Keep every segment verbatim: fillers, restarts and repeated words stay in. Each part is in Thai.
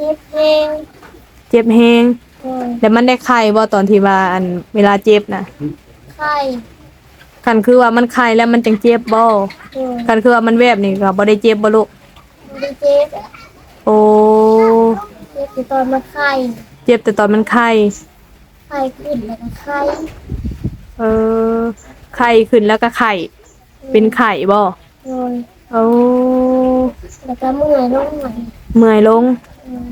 จ็บเองเจ็บแฮงโดยแล้วมันได้ไข้บ่ตอนที่ว่าอันเวลาเจ็บน่ะไข้คันคือว่ามันไข้แล้วมันจังเจ็บบ่โดยคันคือว่ามันแวบนี่ก็บ่ได้เจ็บบ่ลูกไม่ได้เจ็บอะโอ้เจ็บแต่ตอนมาไข้เจ็บแต่ตอนมันไข้ไข้ขึ้นแล้วก็ไข้เออไข้ขึ้นแล้วก็ไข้เป็นไข้บ่โดยโอ้แล้วก็เมื่อยลงหน่อยเมื่อยลงโดย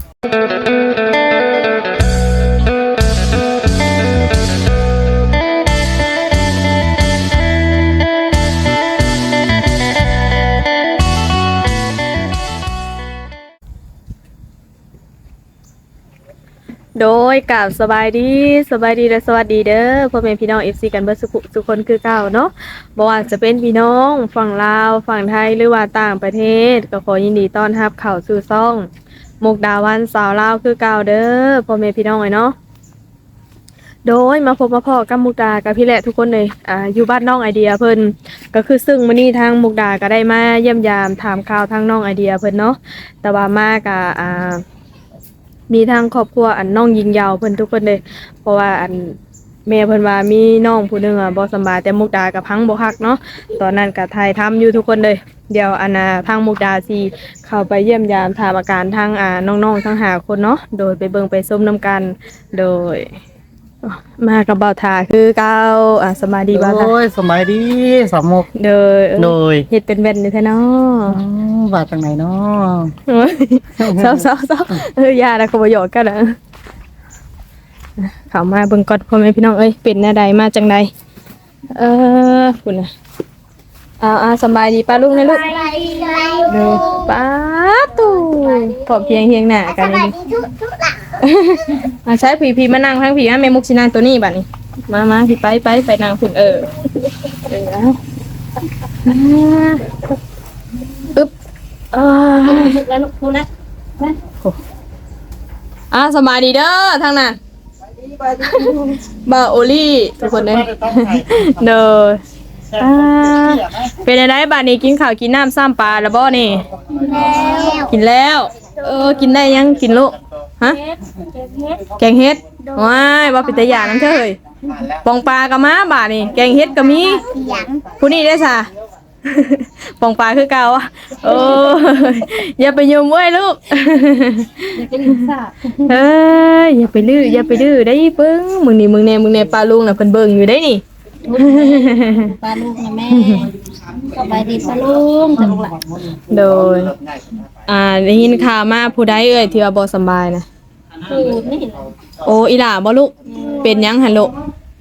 โดยกราบสบายดีสบายดีและสวัสดีเด้อพ่อแม่พี่น้อง เอฟ ซี กันเบิดสุขทุกคนคือเก่าเนาะบ่ว่าจะเป็นพี่น้องฝั่งลาวฝั่งไทยหรือว่าต่างประเทศก็ขอยินดีต้อนรับเข้าสู่ช่องมุกดาวันสาวลาวคือเก่าเด้อพ่อแม่พี่น้องเอ้ยเนาะโดยมาพบมาพ้อกับมุกดากับพี่แหละทุกคนเลยอ่าอยู่บ้านน้องไอเดียเพิ่นก็คือซึ่งมื้อนี้ทางมุกดาก็ได้มาเยี่ยมยามถามข่าวทางน้องไอเดียเพิ่นเนาะแต่ว่ามาก็อ่า มีทางครอบครัวอันน้องยิงยาวเพิ่นทุกคนเลยเพราะว่าอันแม่เพิ่นว่ามีน้องผู้หนึงอ่ะบ่สำบายแต่มุกดากับพังบ่คักเนาะตอนนั้นก็ถ่ายทำอยู่ทุกคนเลยเดี๋ยวอันน่ะทางมุกดาสิเข้าไปเยี่ยมยามถามอาการทางอ่าน้องๆทั้งห้าคนเนาะโดยไปเบิ่งไปส้มน้ำกันโดยมากับบ่าวทาคือเก่าอ่าสบายดีบ่าวทาโอ้ยสมัยดีสามมุกโดยเออโดยเฮ็ดเป็นแว่นอยู่แท้เนาะอืมบาดจังไหนเนาะเฮ้ยเศร้าๆๆเออยาแล้วก็บ่หยอกกันนะเข้ามาเบิ่งก่อนพ่อแม่พี่น้องเอ้ยเป็นแนวใดมาจังใดเออคุณน่ะอ่าๆสำบายดีป้าลูกนะลูกไปไปเด้อป้าตู่พอเพียงเฮียงหน้ากันเลยทุกทุกหลังมาใช้ผีผีมานั่งทางผีอ่ะแม่มุกสินั่งตัวนี้บัดนี้มามาพี่ไปไปไปนั่งพุ่นเออเออเอาอ่าปึ๊บอ่าแล้วลูกพูดแล้วอ่าสบายดีเด้อทางนั้นบาโอลี่ทุกคนเลยเด้ออ่าเป็นอะไรบ้านนี้กินข้าวกินน้ำซ้ำปลาแล้วบ่นี่แล้วกินแล้ว เออกินได้ยังกินลูกฮะเฮ็ดเฮ็ดเฮ็ดแกงเฮ็ดว้ายว่าเป็นตาหยาน้ำเถอะเฮ้ยปองปลากับม้าบาดนี่แกงเฮ็ดก็มีเสียงผู้นี้ได้ซะ ปองปลาคือเก่าอ่ะโอ้ยอย่าไปยุ่มเว้ยลูก เฮ้ยอย่าไปลื้ออย่าไปดื้อได้เบิ่งมึงนี่มึงแน่มึงแน่ปลาลุงน่ะเพิ่นเบิ่งอยู่ได้นี่ปลาลูกนะแม่สบายดีปลาลูกจังหวะโดยอ่าได้ยินข่าวมาผู้ใดเอ่ยที่ว่าบ่สำบายนะคือนี่แหละโอ้อีหล่าบ่ลูกเป็นหยังหั่นลูก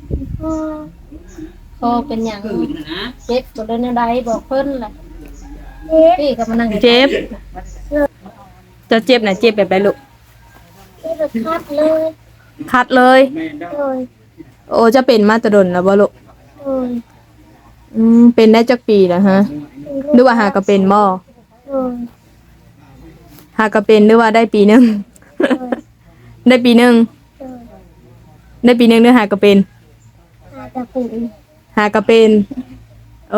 พอเป็นอย่างเจ็บตัวเดินอะไรบอกเพิ่นแหละพี่ก็มานั่งเจ็บจะเจ็บน่ะเจ็บแบบใดลูกที่รถคัดเลยคัดเลยโดยโอ้จะเป็นมาแตะดนแล้วบ่ลูกโดยอืมเป็นได้จักปีแล้วฮะหรือว่าหาก็เป็นบ่โดยหาก็เป็นหรือว่าได้ปีหนึงโดยได้ปีหนึงโดยได้ปีหนึงหรือหาก็เป็นอาจจะเป็นหากระเป็น โอ้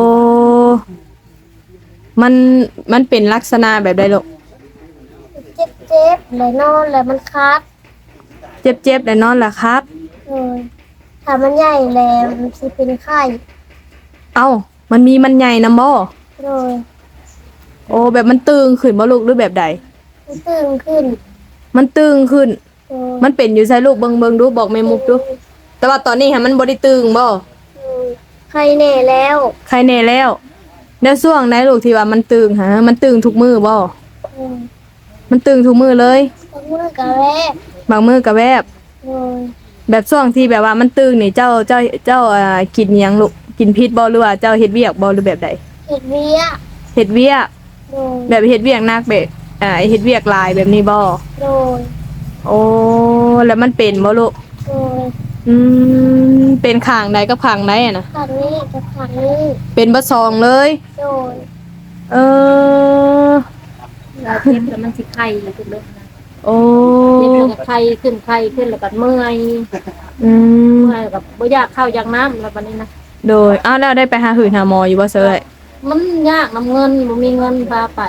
มัน มันเป็นลักษณะแบบใดลูกเจ็บเจ็บเลยนอนเลยมันคัดเจ็บเจ็บแต่นอนล่ะครับโดยถ้ามันใหญ่แล้วมันจะเป็นไข้เอ้า มันมีมันใหญ่นำบ่โดยโอ้ แบบมันตึงขึ้นบ่ลูกหรือแบบใดมันตึงขึ้นมันตึงขึ้นโดยมันเป็นอยู่ใส่ลูกเบิ่งเบิ่งดูบอกแม่มุกดู แต่ว่าตอนนี้ฮะมันบ่ได้ตึงบ่โดยไข้แน่แล้วใครแน่แล้วแล้วช่วงไหนลูกที่ว่ามันตึงฮะ มันตึงทุกมือบ่โดยมันตึงทุกมือเลยต้องมือกระแวกบางมือก็แวบโดยแบบช่วงที่แบบว่ามันตึงนี่เจ้าเจ้าเจ้าอ่ากินหยังลูกกินพิษบ่หรือว่าเจ้าเฮ็ดเวียกบ่หรือแบบใดเห็ดเวียเฮ็ดเวียกโดยแบบเฮ็ดเวียกหนักแบบอ่าเฮ็ดเวียกหลายแบบนี้บ่โดยโอ้แล้วมันเป็นบ่ลูกโดยอืมเป็นข้างใดกับข้างใดอะนะขันนี้กับขันนี้เป็นบ่ซองเลยโดยเออเราเจ็บแล้วมันสิไข้ขึ้นเลยนะโอ้เจ็บแล้วก็ไข้ขึ้นไข้ขึ้นแล้วก็เมื่อยอืมเมื่อยกับบ่อยากเข้าอยากน้ำแล้วบัดนี้นะโดยอ้าวแล้วได้ไปหาหืดหาหมออยู่บ่เซยมันยากน้ำเงินบ่มีเงินพาไป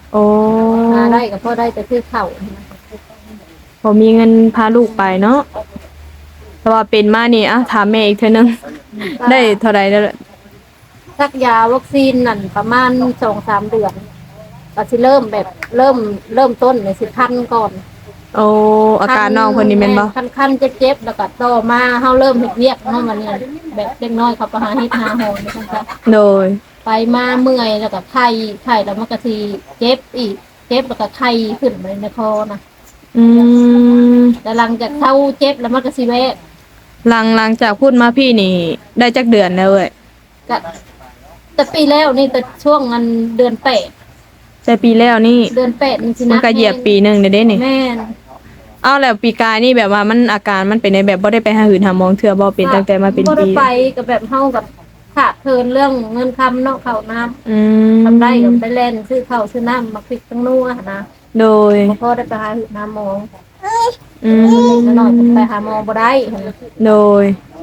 โอ้หาได้ก็พอได้แต่คือข้าวนะบ่มีเงินพาลูกไปเนาะแต่ว่าเป็นมานี่อ่ะถามแม่อีกเทื่อนึงได้เท่าใดแล้วล่ะสักยาวัคซีนนั่นประมาณ สองสาม เดือนก็สิเริ่มแบบเริ่มเริ่มต้นเนี่ยสิคันก่อนโอ้อาการน้องเพิ่นนี่แม่นบ่คันคันๆเจ็บๆแล้วก็ต่อมาเฮาเริ่มเฮ็ดเวียกเฮามาเนี่ยแบบเล็กน้อยเขาไปหาเฮ็ดหาหอนจังซั่นโดยไปมาเมื่อยแล้วก็ไข้ไข้แล้วมันก็สิเจ็บอีกเจ็บแล้วก็ไข้ขึ้นมาในคอนะอืมแต่หลังจากเท่าเจ็บแล้วมันก็สิแวะหลังหลังจากพูดมาพี่นี่ได้จักเดือนแล้วเว้ยก็แต่ปีแล้วนี่แต่ช่วงอันเดือนแปดแต่ปีแล้วนี่เดือนแปดนี่สิมันนะก็เหยียบปีหนึงเด้เด้นี่แม่นเอาแล้วปีกายนี่แบบว่ามันอาการมันเป็นในแบบบ่ได้ไปหาหืนหาหมองเทื่อบ่เป็นตั้งแต่มาเป็นบ่ได้ปีไปกับแบบเฮากับขาดเทินเรื่องเงินคำเนาะข้าวน้ำอืมทำได้ก็ไปเล่นซื้อข้าวซื้อน้ำมาพริกตั้งนัวนะโดยบ่พอได้ไปหาหาหมออืมแล้วน้อยก็ไปหาหมอบ่ได้โดย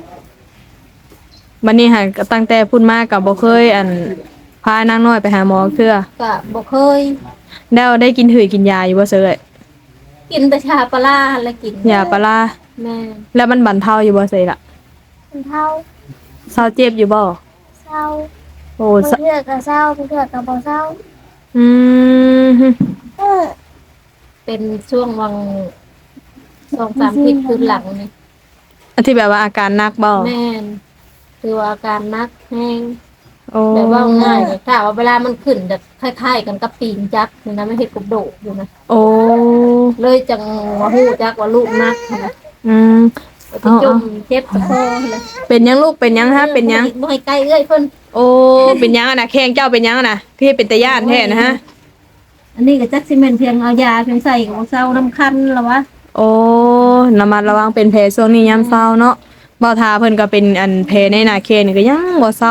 บัดนี้หันก็ตั้งแต่พูดมาก็บ่เคยอันพานางน้อยไปหาหมอเทื่อก็บ่เคยแล้วได้กินหืดกินยาอยู่บ่เซยกินแต่ชาปลาร้าแล้วกินยาปลาร้าแม่แล้วมันบรรเทาอยู่บ่เซยล่ะมันเท่าเศร้าเจ็บอยู่บ่เศร้าโอ้บางสะเทื่อก็เศร้าบางเทื่อก็บ่เศร้าอืมเออเป็นช่วงวังสองสามทิศคืนหลังนี่อันที่แบบว่าอาการหนักบ่แม่นคือว่าอาการนักแห้งโอ้แบบว่าง่ายถ้าว่าเวลามันขึ้นจะคล้ายๆกันกับปีนจักนี่นะไม่เห็นกบโดดอยู่นะโอ้เลยจังว่าฮู้จักว่าลูกนักนะอืมไปจุ่มเจ็บตะโพเลยเป็นยังลูกเป็นยังฮะเป็นยังบ่ให้ใกล้เอ้ยเพิ่นโอ้ เป็นยังอะนะแข้งเจ้าเป็นยังอะนะพี่เป็นตาย่านแท้นะฮะอันนี้ก็จักสิแม่นเพียงเอายาเพียงใส่ของเซาน้ำคันแล้ววะโอ้ระมัดระวังเป็นแผลช่วงนี้ยามเศร้าเนาะบ่ทาเพิ่นก็เป็นอันแผลในหน้าแข้งนี่ก็ยังบ่เศร้า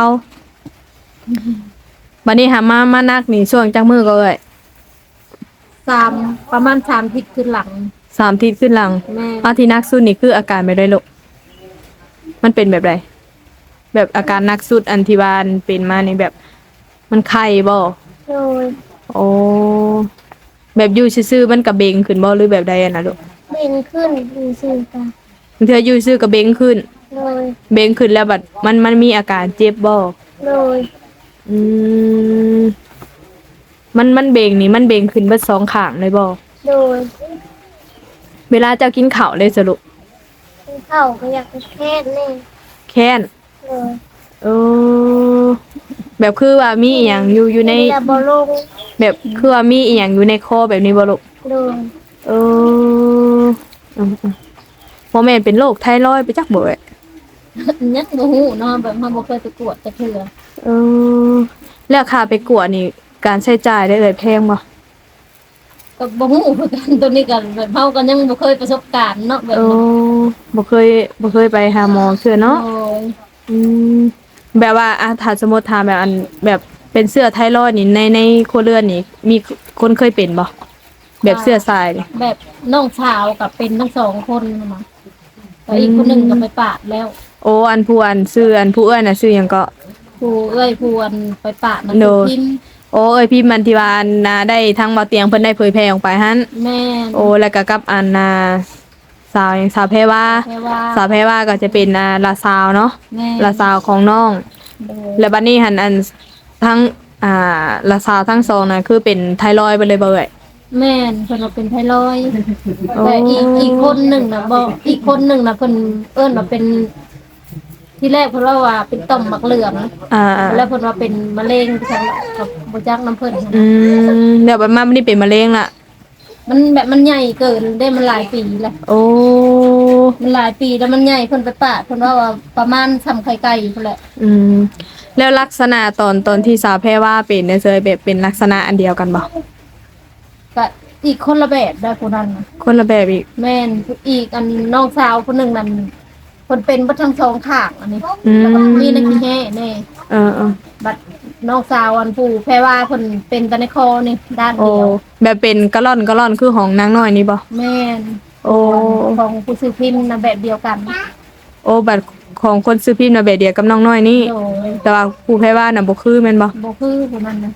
บัดนี้หามามานักนี่ช่วงจักมือก็เอ้ยสามประมาณสามทิศคืนหลังสามอาทิตย์ขึ้นหลังแม่อาที่นักสุดนี่คืออาการแบบใดลูกมันเป็นแบบใดแบบอาการนักสุดอันที่ว่าอันเป็นมานี่แบบ มันไข้บ่โดยโอ้แบบอยู่ซื่อๆมันกระเบงขึ้นบ่หรือแบบใดอะนะลูกเบ่งขึ้นมีซื่อตาบางเทื่ออยู่ซื่อกระเบงขึ้นโดยเบงขึ้นแล้วบัดมันมันมีอาการเจ็บบ่โดยอืมมันมันเบงนี่มันเบงขึ้นเบิดสองข้างเลยบ่โดยเวลาเจ้ากินข้าวเลยสรุปเข้าก็อยากไปแค่แน่แค้นโดยเออแบบคือว่ามีอีหยังอยู่อยู่ในแต่บ่ลงแบบคือว่ามีอีหยังอยู่ในคอแบบนี้บ่ลูกโดยเอออืมๆบ่แม่นเป็นโรคไทรอยด์ไปจักบ่เอ้ยยังบ่ฮู้เนาะแบบเฮาบ่เคยไปกวดจักเทื่อเออแล้วค่าไปกวดนี่การใช้จ่ายได้เลยแพงบ่ก็บ่ฮู้คือกันตัวนี้ก็แบบเฮาก็ยังบ่เคยประสบการณ์เนาะแบบเอนั้นอบ่เคยบ่เคยไปหาหมอเทื่อเนาะโอ้ยอืมแบบว่าอ่ะถ้าสมมุติถามแบบอันแบบเป็นเสื้อไทรอยด์นี่ในในครัวเรือนนี่มีคนเคยเป็นบ่แบบเสื้อทรายนี่แบบน้องสาวกับเป็นทั้งสองคนมาแต่อีกคนหนึงก็ไปปาดแล้วโอ้อันผู้อันชื่ออันผู้เอ้ยน่ะชื่อหยังก็ผู้เอ้ยผู้อันไปปาดนะโดคือย พิมพ์โอ้เอ้ยพี่มันที่ว่าอันน่ะได้ทางบ่เตียงเพิ่นได้เผยแพร่ออกไปหั่นแม่นโอ้แล้วก็กับอันน่ะสาวหยังสาวแพรว่าแค่ว่าสาวแพรว่าก็จะเป็นอ่าลาซาวเนาะแม่ลาซาวของน้องโดยแล้วบัดนี้หันอันทั้งอ่าลาซาวทั้งสองน่ะคือเป็นไทรอยด์ไปเลยบ่เอ่ยแม่นเพิ่นว่าเป็นไทรอยด์โอ้แต่อีกอีกคนหนึ่งน่ะบ่อีกคนหนึ่งน่ะเพิ่นเอิ้นว่าเป็น ที่แรกเพิ่นว่าว่าเป็นต่อมหมักเหลืองอ่าแล้วเพิ่นว่าเป็นมะเร็งจังกับบ่จักน้ำเพิ่นอืมเดี๋ยวบัดมาบัดนี้เป็นมะเร็งละมันแบบมันใหญ่เกินได้มันหลายปีแล้วโอ้มันหลายปีแล้วมันใหญ่เพิ่นไปปาดเพิ่นว่าว่าประมาณสำไข่ไก่พุ่นแหละอืมแล้วลักษณะตอนตอนที่สาวแพรว่าเป็นเนี่ยเคยแบบเป็นลักษณะอันเดียวกันบ่ก็อีกคนละแบบได้ผู้นั้นน่ะคนละแบบอีกแม่นอีกอันน้องสาวคนหนึ่งนั่นคนเป็นบัดทั้งสองข้างอันนี้อืมแล้วก็มีนักขี้แห่แน่เออเออบัดน้องสาวอันผู้แพรว่าคนเป็นแตะในคอนี่ด้านโอ้เดียวแบบเป็นกะล่อนกะล่อนคือของนางน้อยนี่บ่แม่นโอ้ของผู้ซื้อพิมพ์นะแบบเดียวกันโอ้บัตรของคนซื้อพิมพ์น่ะแบบเดียวกับน้องน้อยนี่โดยแต่ว่าผู้แพ้ว่าน่ะบ่คือแม่นบ่บ่คือผู้นั้นนะ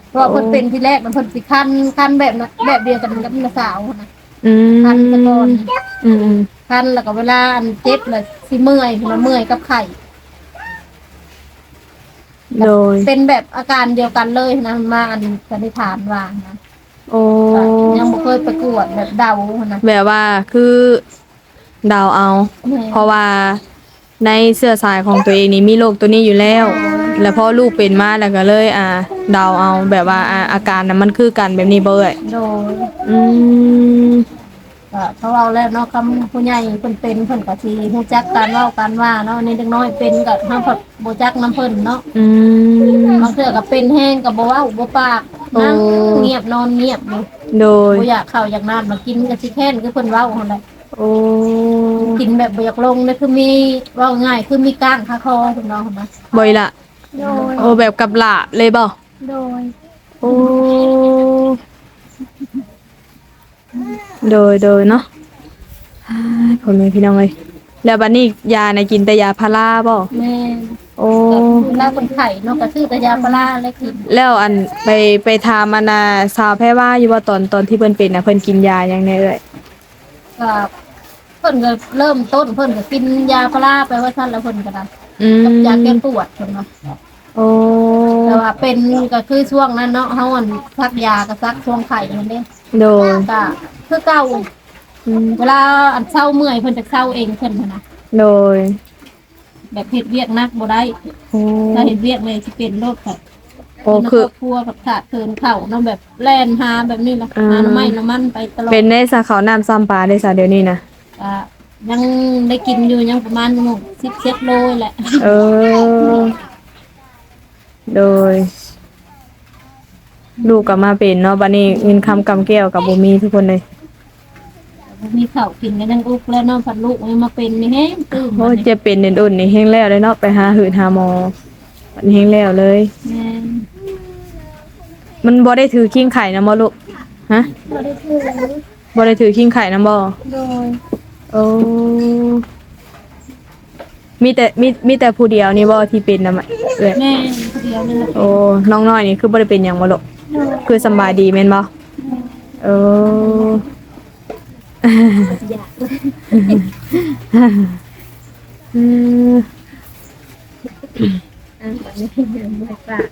เพราะว่าเพิ่นเป็นที่แรกมันเพิ่นสิคันคันแบบนั้นแบบเดียวกันกับน้าสาวนะอืมคันแตะกอนอืมคันแล้วก็เวลาอันเจ็บเลยสิเมื่อยมันเมื่อยกับไข้โดยเป็นแบบอาการเดียวกันเลยนะมาอันสันนิษฐานว่านะโอ้ก็ยังบ่เคยประกวดแบบเดานะแบบว่าคือเดาเอาแม่เพราะว่าในเสื้อสายของตัวเองนี่มีโรคตัวนี้อยู่แล้ว แล้วพอลูกเป็นมาแล้วก็เลย อ่าเดาเอาแบบว่าอ่าอาการนั้นมันคือกันแบบนี้บ่เอ่ยโดยอืมก็เขาเอาแล้วเนาะคำผู้ใหญ่เพิ่นเป็นเพิ่นก็สิฮู้จักการเว้าการว่าเนาะนี่เด็กน้อยเป็นก็เฮาก็บ่จักน้ำเพิ่นเนาะอืมบางเทื่อก็เป็นแห้งก็บ่เว้าบ่ปากนั่งโอ้เงียบนอนเงียบอยู่โดยบ่อยากเข้าอยากน้ำมากินก็สิแค้นคือเพิ่นเว้าหั่นแหละโอ้กินแบบบ่อยากลงนี่คือมีเว้าง่ายคือมีก้างคาคอเพิ่นเนาะหั่นนะบ่อยละโดยโอ้แบบกับหลาบเลยบ่โดยโอ้ โดยโดยเนาะอ้ายพ่อแม่พี่น้องเอ้ยแล้วบัดนี้ยาในกินแต่ยาพาราบ่แม่โอ้ก็เวลาคนไข้เนาะก็ซื้อแต่ยาพาราแล้วกินแล้วอันไปไปถามอันน่ะสาวแพทย์ว่าอยู่ว่าตอนตอนที่เพิ่นเป็นน่ะเพิ่นกินยาหยังแน่เอ้ยก็เพิ่นก็เริ่มต้นเพิ่นก็กินยาพาราไปว่าซั่นแล้วเพิ่นก็ได้อืมกับยาแก้ปวดเพิ่นเนาะโอ้แต่ว่าเป็นก็คือช่วงนั้นเนาะเฮาอันซักยาก็ซักช่วงไข้นั่นเด้โดยก็คือเก่าอืมเวลาอันเศร้าเมื่อยเพิ่นจะเศร้าเองเพิ่นหั้นนะโดยแบบเฮ็ดเวียกหนักบ่ได้โอ้ถ้าเฮ็ดเวียกเลยสิเป็นโรคค่ะโอ้คือครอบครัวกับขาดเคินเข้าเนาะแบบแล่นหาแบบนี้ล่ะอ่าหาน้ำไม้น้ำมันไปตลอดเป็นในสาขาน้ำซ้ำปลาได้ซะเดี๋ยวนี้นะก็ยังได้กินอยู่ยังประมาณสิบเจ็ดโลแหละเออ โดย ลูกก็มาเป็นเนาะบัดนี้เงินคำกำแก้วกับบ่มีทุกคนเลยมีข้าวกินก็ยังอุกแล้วเนาะพัดลูกยังมาเป็นนี่แฮงตื่นโอ้ยเจ็บเป็นเด่นอุ่นนี่แห้งแล้วเลยเนาะไปหาหืดหาหมอมันแห้งแล้วเลยแม่นมันบ่ได้ถือขิ้งไข่นะบ่ลูกฮะบ่ได้ถือบ่ได้ถือขิ้งไข่นะบ่โดยโอ้มีแต่มีมีแต่ผู้เดียวนี่บ่ที่เป็นนำเอ้ยแม่นผู้เดียวนี่แหละโอ้น้องน้อยนี่คือบ่ได้เป็นหยังบ่ลูกโดยคือสำบายดีแม่นบ่เอออยากอืมอ่ะแบบนี้ยังบ่ฝาก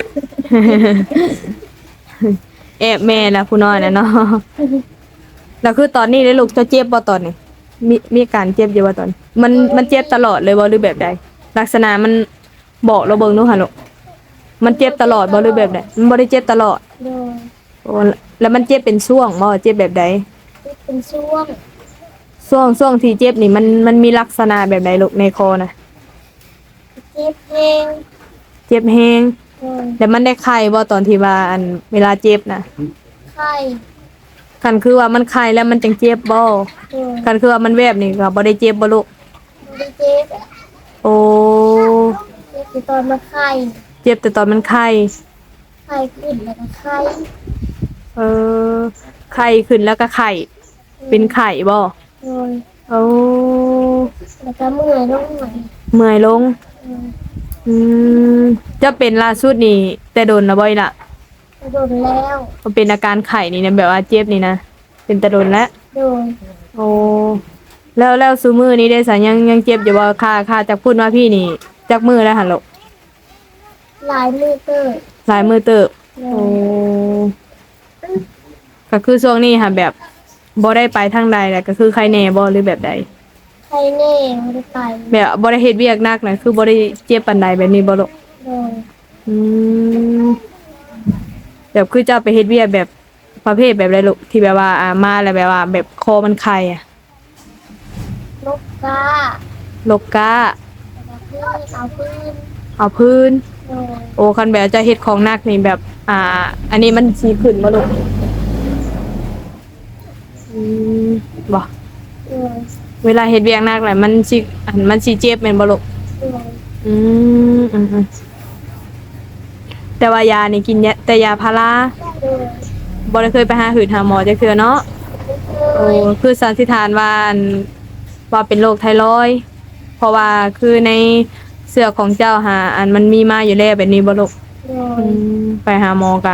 แอบแม่ละผู้น้อยน่ะเนาะแล้วคือตอนนี้ได้ลูกจะเจ็บบ่ตอนนี้มีมีอาการเจ็บอยู่บ่ตอน มันมันเจ็บตลอดเลยบ่หรือแบบใดลักษณะมันบอกเราเบิ่งดูหั่นลูกมันเจ็บตลอดบ่หรือแบบใดมันบ่ได้เจ็บตลอดโดยโอ้แล้วมันเจ็บเป็นช่วงบ่เจ็บแบบใดเป็นช่วงช่วงช่วงที่เจ็บนี่มันมันมีลักษณะแบบใดลูกในคอน่ะเจ็บแห้งเจ็บแฮงโดยแล้วมันได้ไข้บ่ตอนที่ว่าอันเวลาเจ็บน่ะไข้คันคือว่ามันไข้แล้วมันจังเจ็บบ่โดยคันคือว่ามันแวบนี่ก็บ่ได้เจ็บบ่ลูกบ่ได้เจ็บโอ้เจ็บอยู่ตอนมาไข้เจ็บแต่ตอนมันไข้ไข้ขึ้นแล้วก็ไข้เออไข้ขึ้นแล้วก็ไข้เป็นไข้บ่โดยโอ้แล้วก็เมื่อยลงหน่อยเมื่อยลงโดยอืมจะเป็นล่าสุดนี่แต่โดนนะบ่อยล่ะกระโดดแล้วมันเป็นอาการไข้นี่นะแบบว่าเจ็บนี่นะเป็นแต่โดนแล้วโดยโอ้แล้วแล้วซุมื้อนี้ได้สายังยังเจ็บอยู่บ่ค่าค่าจากพูดว่าพี่นี่จักมื้อแล้วหั่นลูกหลายมือเกิดหลายมื้อเติบโดโอ้ยก็คือช่วงนี้ค่ะแบบบ่ได้ไปทางใดแหละก็คือใครแน่บ่หรือแบบใดไข้แน่ไม่ได้ไปแบบบ่ได้เฮ็ดเวียกหนักนะคือบ่ได้เจ็บปานใดแบบนี้บ่ลูกโดยอืมแบบคือเจ้าไปเฮ็ดเวียกแบบประเภทแบบไรลูกที่แบบว่าอ่ามาแล้วแบบว่า แบบคอมันไข้อะนกกาลกกาแล้วก็พื้นเอาพื้นเอาพื้นโดยโอ้คันแบบจะเฮ็ดของหนักนี่แบบ อ่า อันนี้มันสิขึ้นบ่ลูกอืมบ่โดยเวลาเฮ็ดเวียกหนักแหละมันสิอันมันสิเจ็บแม่นบ่ลูกโดยอืมอืมอืมแต่ว่ายานี่กินยาแต่ยาพาราโดยบ่ได้เคยไปหาหืดหาหมอจักเทื่อเนาะโดโอ้ยคือสันนิษฐานว่าอันว่าเป็นโรคไทรอยด์เพราะว่าคือในเสื้อของเจ้าหาอันมันมีมาอยู่แล้วแบบนี้บ่ลูกโดอืยมไปหาหมอกะ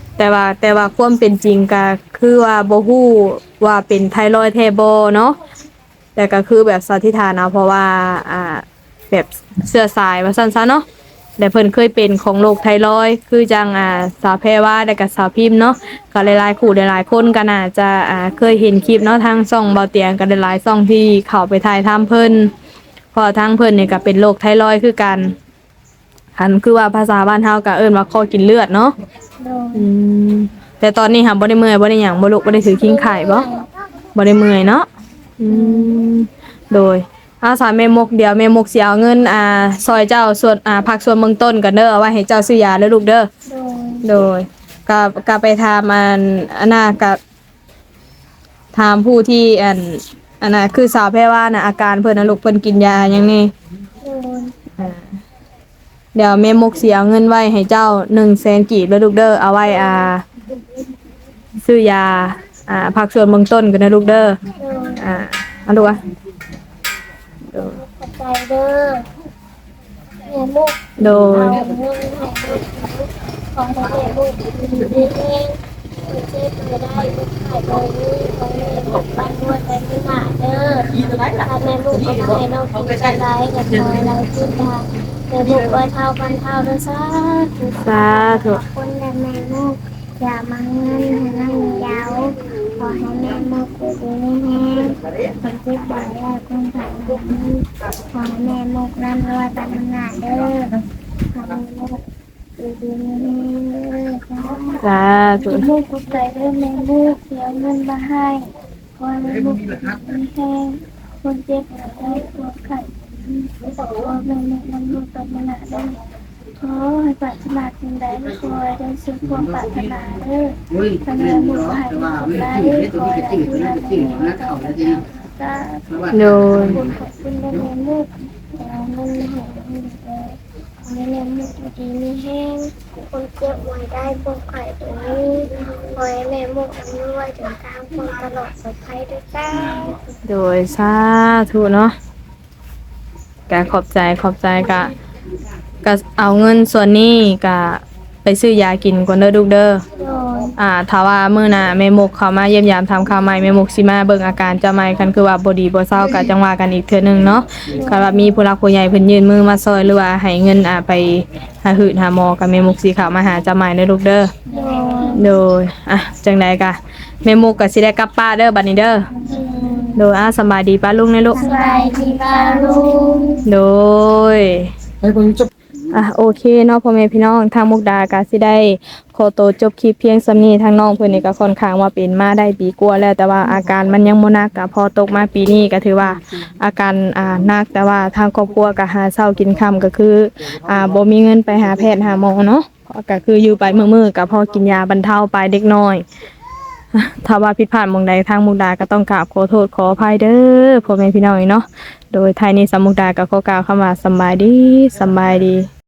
แต่ว่าแต่ว่าความเป็นจริงก็คือว่าบ่ฮู้ว่าเป็นไทรอยด์แท้บ่เนาะแต่ก็คือแบบสันนิษฐานเอาเพราะว่าอ่าแบบเชื้อสายว่าซั่นซะเนาะแต่เพิ่นเคยเป็นของโรคไทรอยด์คือจังอ่าสาวแพรว่าและก็สาวพิมพ์เนาะก็หลายๆคู่หลายๆคนก็น่าจะอ่าเคยเห็นคลิปเนาะทางช่องเบาเตียงก็หลายๆช่องที่เข้าไปถ่ายทำเพิ่นเพราะทางเพิ่นนี่ก็เป็นโรคไทรอยด์คือกันคันคือว่าภาษาบ้านเฮาก็เอิ้นว่าคอกินเลือดเนาะโดยอืมแต่ตอนนี้ค่ะบ่ได้เมื่อยบ่ได้หยังบ่ลุกบ่ได้ถือคิงไข่บ่บ่ได้เมื่อยเนาะอืมโดยอาสาแม่มกเดี๋ยวแม่มกสิเอาเงินอ่าซอยเจ้าส่วนอ่าพักส่วนเบื้องต้นกันเด้อเอาไว้ให้เจ้าซื้อยาเด้อลูกเด้อโดยโดยก็ก็ไปถามอันอันน่ะก็ถามผู้ที่อันอันน่ะคือสาวแพรว่าน่ะอาการเพิ่นน่ะลูกเพิ่นกินยาหยังนี่โดยอ่าเดี๋ยวแม่มกสิเอาเงินไว้ให้เจ้าหนึ่งแสนกีบเด้อลูกเด้อเอาไว้อ่า ซื้อยาอ่าพักส่วนเบื้องต้นกันนะลูกเด้อโดยอ่าเอาดูอ่ะโดยขอบใจเด้อแม่ลูกโดเอายเงินให้ลูกของแม่ลูกดีๆเองเจ็บไม่ได้ลูกขายเลยของแม่ลูกบ้านด้วยไปที่หน้าเด้อถ้าแม่ลูกก็ไม่ให้น้องกินอะไรกับคอยเราขึ้นมาแม่ลูกไว้เท่าพันเท่าเด้อซ่าธุสาธุคนและแม่ลูกอย่ามาเงินให้นั่งยาวขอให้แม่ลูกอยู่ดีไม่แห้งคนที่บ่อยแล้วคนผ่านมาขอให้แม่ลูกนั่นรวยตามหน้าเด้อขอให้แม่ลูกอยู่ดีไม่แห้งเด้อจ้าสาธุลูกกุใจเรื่องแม่ลูกเสียเงินมาให้ขอให้ลูกอยู่ดีไม่แห้งคนเจ็บป่วยปวดไข้ขอแม่ลูกนั่นลูกตามหน้าเด้อ ขอให้ปรารถนาสิ่งใดไม่คอยได้สุขความปรารถนาเด้อทำงานบุญให้สิ่งใดคอยได้ดูแลในนี้ต่อไปจ้าโดยคุณขอบคุณแม่ลูกแต่เงินไม่ให้ลูกเลยขอให้แม่ลูกดีมีแห้งคนเจ็บไว้ได้ปวดไข้ตรงนี้ขอให้แม่ลูกอำนวยถึงทางคนตลอดปลอดภัยด้วยจ้าโดยสาธุเนาะกะขอบใจขอบใจกะกะเอาเงินส่วนนี้กะไปซื้อยากินก่อนเด้อลูกเด้อโดยอ่าถ้าว่ามื้อหน้าแม่มกเข้ามาเยี่ยมยามทำข่าวใหม่แม่มกสิมาเบิ่งอาการเจ้าใหม่คันคือว่าบ่ดีบ่เซาก็จังว่ากันอีกเทื่อหนึงเนาะคันว่ามีผู้หลักผู้ใหญ่เพิ่นยื่นมือมาซอยหรือว่าให้เงินอ่าไปหาหืดหาหมอก็แม่มกสิเข้ามาหาเจ้าใหม่เด้อลูกเด้อโดยโดยอ่ะจังใดกะแม่มกก็สิได้กลับป้านเด้อบัดนี้เด้อโดยอ่ะสำบายดีป้าลุงนะลูกสบายดีป้าลุงโดยให้คนจบอ่ะโอเคเนาะพ่อแม่พี่น้องทางมุกดาก็สิได้ขอตัวจบคลิปเพียงสำนี้ทางน้องเพิ่นนี่ก็ค่อนข้างว่าเป็นมาได้ปีกว่าแล้วแต่ว่าอาการมันยังบ่หนักก็พอตกมาปีนี้ก็ถือว่าอาการอ่าหนักแต่ว่าทางครอบครัวก็หาเช้ากินค่ำก็คืออ่าบ่มีเงินไปหาแพทย์หาหมอเนาะก็คืออยู่ไปมื้อๆก็พอกินยาบรรเทาไปเด็กน้อยอ่ะถ้าว่าผิดพลาดหม่องใดทางมุกดาก็ต้องกราบขอโทษขออภัยเด้อพ่อแม่พี่น้องเนาะโดยท้ายนี้สามมุกดาก็ขอกล่าวคำว่าสำบายดีสำบายดี